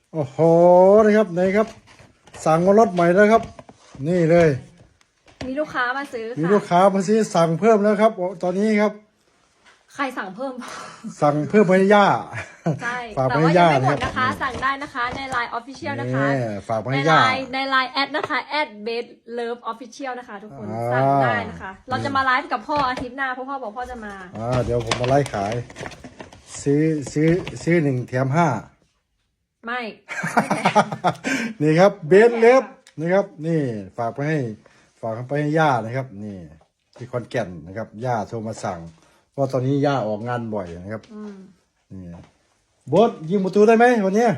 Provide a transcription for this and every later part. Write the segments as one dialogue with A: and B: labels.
A: โอ้โหนะครับไหนครับ สั่งมารถใหม่แล้วครับ นี่เลย
B: มีลูกค้ามาซื้อ
A: มี
B: ค่ะ
A: ลูกค้ามาซื้อสั่งเพิ่มแล้วครับตอนนี้ครับ
B: ใครสั่งเพิ่ม
A: สั่งเพิ่มให้ย่า
B: ใช่
A: ฝาก
B: แต่
A: ไปให้
B: ว่ายั
A: ย่าง
B: ไม่หม
A: นะ
B: ด
A: ครับ
B: นะคะ สั่งได้นะคะใน Line Official นะคะ
A: นี่ฝากไป
B: ใน
A: ให้ย่า
B: Line แอดนะคะ @bedlove_official นะคะ ทุกคน
A: อ่า
B: สั่งได้นะคะ เราจะมาไลฟ์กับพ่ออาทิตย์หน้าเพราะพ่อบอกพ่อจะมา
A: เดี๋ยวผมมาไล่ขาย ซื้อ1 แถม 5
B: ไม่
A: นี่ครับเบสเล็บนะครับ นี่ฝากไปให้ย่านะครับ นี่ที่ขอนแก่นนะครับย่าโทรมาสั่งเพราะตอนนี้ย่าออกงานบ่อยนะครับนี่โบสยิงประตูได้ไหมวันนี้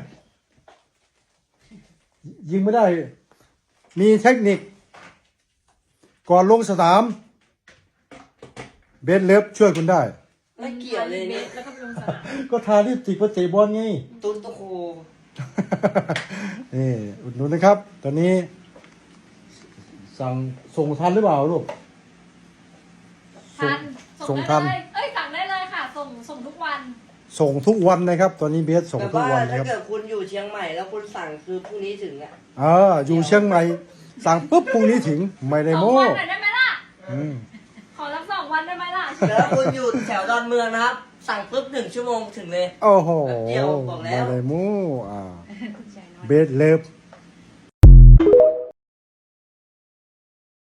A: ยิงไม่ได้ มีเทคนิค ก่อนลงสนามเบสเล็บช่วยคุณได้
C: ไม่เกี่ยวเลยเนี่ย
B: แล้วก็ไปลงสนาม
A: ก็ทาลิปสติกมาเตะบอลไง
C: ตุ้นตะโค
A: นี่อุดหนุนนะครับ ตอนนี้ส่งทันหรือเปล่าลูก
B: ทัน
A: ส่
B: ส่
A: ง
B: ง
A: ทั
B: ได้
A: น
B: เลยเอ้ยสั่งได้เลยค่ะ ส่งทุกวัน
A: ส่งทุกวันนะครับ ตอนนี้เบสส่ง
C: แบบ
A: ทุก
C: ว่า
A: วันนะ
C: ถ้า
A: ครับ
C: เกิดคุณอยู่เชียงใหม่แล้วคุณสั่งคือพรุ่งนี้ถึงอ่ะ
A: อยู่เชียงใหม่สั่งปุ๊บพรุ่งนี้ถึงไม่ได้
B: สอง
A: โม้
B: วันหน่อยได้ไหมล่ะ
A: อืม
B: ขอรับ2 วันได้ไหมล่ะ
C: แต่ถ้าคุณอยู่แถวดอนเมืองนะครับ สั่งปุ๊บ1 ชั่วโมงถึงเลย
A: โอ้โห
C: แบบเดียวบอกแล้ว
A: ไม่ได้โม้เบสเลิฟ